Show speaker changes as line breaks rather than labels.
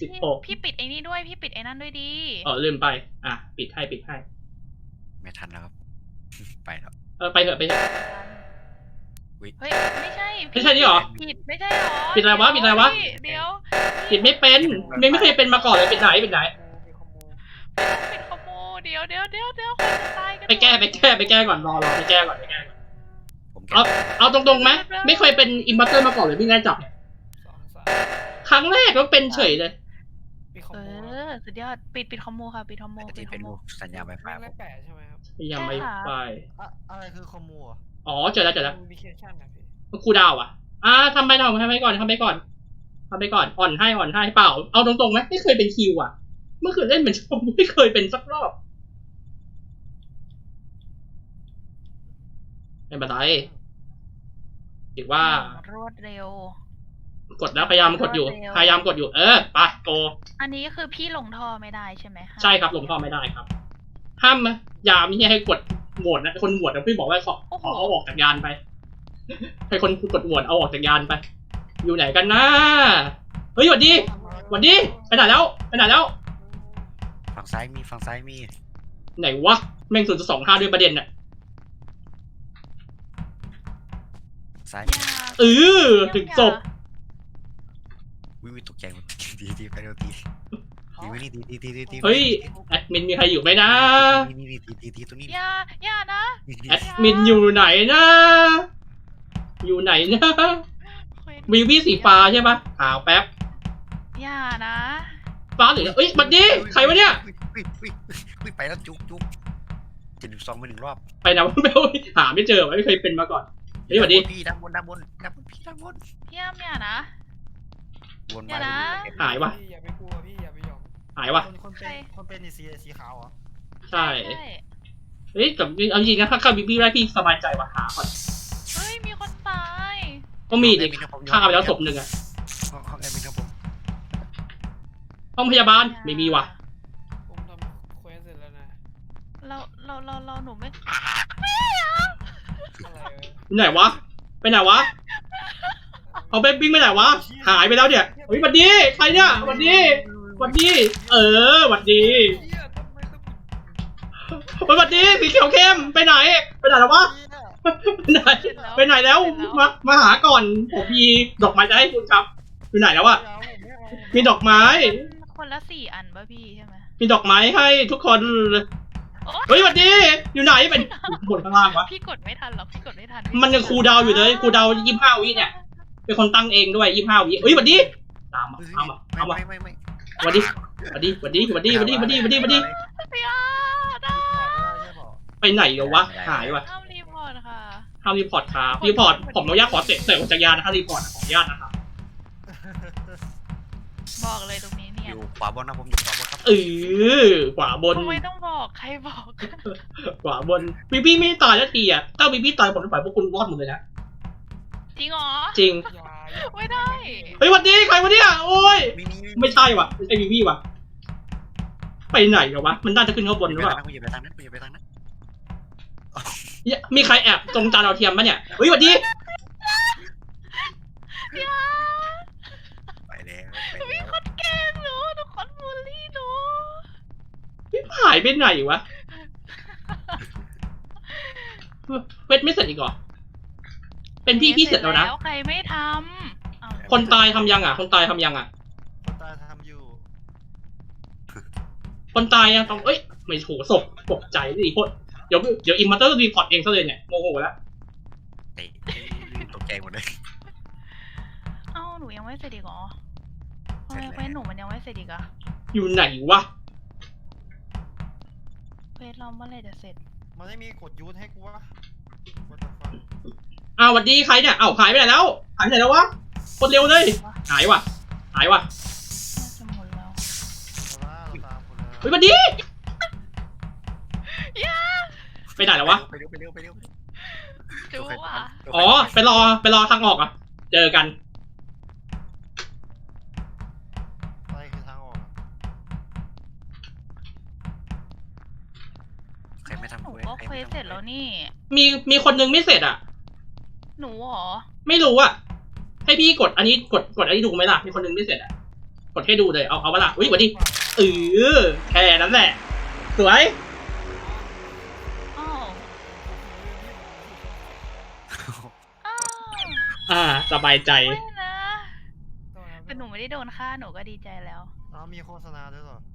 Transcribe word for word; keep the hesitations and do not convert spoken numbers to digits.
สิบหก
พี่ปิดไอ้นี่ด้วยพี่ปิดไอ้นั่นด้วยดี
อ๋อลืมไปอ่ะปิดให้ปิดให้
ไม่ทันแล้วครับไปแล้ว
เออไปเถอะไปเถอะ
เฮ้ยไม่ใช่
ไม่ใช่นี่หรอ
ผิดไม่ใช่หรอ
ปิดอะไรวะปิดอะไรวะ
เดี๋ยว
ปิดไม่เป็นไม่ไม่เคยเป็นมาก่อนเลยปิดไหนปิดไหน
ปิดขโมยเดี๋ยวเดี๋ยวเดี๋ยวเดี๋ยวคนจะตายกัน
ไปแก้ไปแก้ไปแก้ก่อนรอรอไปแก้ก่อนไปแก้ก่อนเอาเอาตรงๆไหมไม่เคยเป็นอิมพัตเตอร์มาก่อนเลยพี่แน่จับครั้งแรกก็เป็นเฉยเลย
เออสุดยอดปิดปิดคอมโมค่ะปิดคอมโม
ปิดเป็นสัญญาไวไฟ
ไม่แปะใช่ไหมครับ
ยังไม่ไป
อะไรคือคอมโม
อ๋อเจอแล้วเจอแล้ว
มัน
คูดาวอ่ะอ่าทำไปหน่อยทำไปก่อนทำไปก่อนทำไปก่อนอ่อนให้อ่อนให้เปล่าเอาตรงๆไหมไม่เคยเป็นคิวอ่ะเมื่อคืนเล่นเหมือนชมไม่เคยเป็นสักรอบเป็นแบบไรถือว่
ารวดเร็ว
กดแล้วพยายามกดอยู่พยายามกดอยู่เออไปโก
อันนี้คือพี่ลงท่อไม่ได้ใช่ไหม
ใช่ครับลงท่อไม่ได้ครับห้ามยามนี่ให้กดโหวตนะคนโหวตนะพี่บอกว่าขอขอเอาออกจากยานไปให้คนกดโหวตเอาออกจากยานไปอยู่ไหนกันนะเฮ้ยสวัสดีสวัสดีไปไหนแล้วไปไหนแล้ว
ฝั่งซ้ายมีฝั่งซ้ายมี
ไหนวะแม่งศูนย์จุดสองห้าด้วยประเด็นน่ะ
ซ้าย
เออถึงจบ
วิวตกใจหมดดีดีไปเร็วดีดีวิดีดีดีดีดี
เฮ้ยแอดมินมีใครอยู่ไหมนะ
นี่นี่ดีดีดีตรงนี้
อย่าอย่านะ
แอดมินอยู่ไหนนะอยู่ไหนนะวิววี่สีฟ้าใช่ปะขาวแป๊บ
อย่านะ
ฟ้าหรือเอ้ยบัดดี้ใครวะเนี่ย
ไปแล้วจุ๊บจุ๊บเจ็ดสิบสองไปหนึ่งรอบ
ไปนะไม่หาไม่เจอไม่เคยเป็นมาก่อนนี่บัดดี้
พี่ด้านบนด้านบนด้านบนพี่ด้านบน
พี่อ้ำอย่านะ
วน
มานะ
หายวะ
อย่าไปกลัวพี่อย่าไปยอม
หายวะ
คนเป็นคนเป็นสีสีขาวเหรอ
ใช่เฮ้ยแต่เอาจริงนะถ้าเข้าบิ๊กบี้ได้พี่สบายใจว่ะหาก่อน
เฮ้ยมีคนตาย
ก็มีดิฆ่าไปแล้วศพหนึ่งอะ
ห้องแอดมินครับผม
ห้องพยาบาลไม่มีว่ะ
ผมทำเควสเสร็จแล้วนะ
เราเราเราเราหนูไม่
ไม่
ไหนวะไปไหนวะเอาไปบิ้งไปไหนวะหายไปแล้วเนี่ยเฮ้ยวันดีใครเนี่ยวันดีวันดีเออวันดีวันดีสีเขียวเข้มไปไหนไปไหนแล้ววะไปไหนไปไหนแล้วมามาหาก่อนผมมีดอกไม้จะให้คุณครับอยู่ไหนแล้วอะมีดอกไม้
คนละสี่อันป่ะพี่ใช่ไหม
มีดอกไม้ให้ทุกคนเฮ้ยวันดีอยู่ไหนเป็นบนข้างล่างวะ
พี่กดไม่ทันหรอกพี่กดไม่ทัน
มันยังคูดาวอยู่เลยคูดาวยี่สิบห้าวิเนี่ยเป็นคนตั้งเองด้วยยี่สิบห้าวิเฮ้ยวันดีตามมาตามมาตามมาวันดีวันดีวันดีวันดีวันดีวันดีวันดีวันดีไปไหนเดี๋ยววะหายวะ
ห้ามรีพอร์ตค่ะ
ห้ามรีพอร์ตครับรีพอร์ตผมอนุญาตขอเตะเตะจักรยานนะครับรีพอร์ตขออนุญาตนะครับ
บอกเลยตรงนี้เนี่ย
อยู่ขวาบนนะผมอยู่ขวาบนครับ
เออขวาบน
ทำไมต้องบอกใครบอก
ขวาบนพี่พี่ไม่ตายแล้วทีอ่ะถ้าพี่พี่ตายผมจะปล่อยพวกคุณรอดหมดเลยนะ
จริงเหรอ
จริง
ไม่ได้
เฮ้ยวันดีใครวะเนี่ยโอ้ยไม่ใช่ว่ะไม่ใช่พี่พี่ว่ะไปไหนเหรอวะมันน่าจะขึ้นข้างบนหรือเปล่า
อย่าไปทางนั้นอย่าไปทางนั้น
มีใครแอบตรงจานดาวเทียมปะเนี่ยเฮ้ยวันดี
ไปแล้ว
มีคนแกล้งหนูทุกคนบูลลี่หนู
พี่หายไปไหนวะเวทไม่เสร็จอีกเหรอเป็นพี่พี่เสร็จแล้วนะ
ใครไม่ท
ำคนตายทำยังอ่ะคนตายทำยังอ่ะ
คนตายทำอยู่
คนตายยังต้องเอ้ยไม่โหศพตกใจดิโคตรเดี๋ยวเดี๋ยวอิมมัตเตอร์รีพอร์ตเองซะเลยเนี่ยโมโหแล้ว
ตกใจหมดเลย
เอ้าหนูยังไม่เสร็จอีกเหรอทำไมเควสหนูมันยังไม่เสร็จอีกอะ
อยู่ไหนวะ
เควสเราเมื่อไรจะเสร็จ
มันไม่มีกดยูทให้กูวะ
อ้าวสวัสดีใครเนี่ยอ้าวหายไปไหนแล้วหายไปไหนแล้ววะคนเร็วเลยหายว่ะหายว่ะ
จะหมดแล้ว
เฮ้ยสวัสดีไปไหนแล้ววะ
ไปเร็วไปเร็วไปเร็ว
ดูว่ะ
อ๋อไปรอไปรอทางออกอ่ะเจอกัน
ไปคือทางออก
ใครไม่ทำ
หนูก็เควสเสร็จแล้วนี่
มีมีคนนึงไม่เสร็จอ่ะ
หนูหรอ
ไม่รู้อ่ะให้พี่กดอันนี้กดกดอันนี้ดูไหมล่ะมีคนนึงไม่เสร็จอ่ะกดให้ดูเลย เอาเอาเวลาอุ้ยกว่าดิเออแค่นั้นแหละ สวย
อ้าวอ้าว
อ่า สบายใจ
ไม่นะแต่หนูไม่ได้โดนฆ่าหนูก็ดีใจแล้ว
อ้าวมีโฆษณาด้วยเหรอ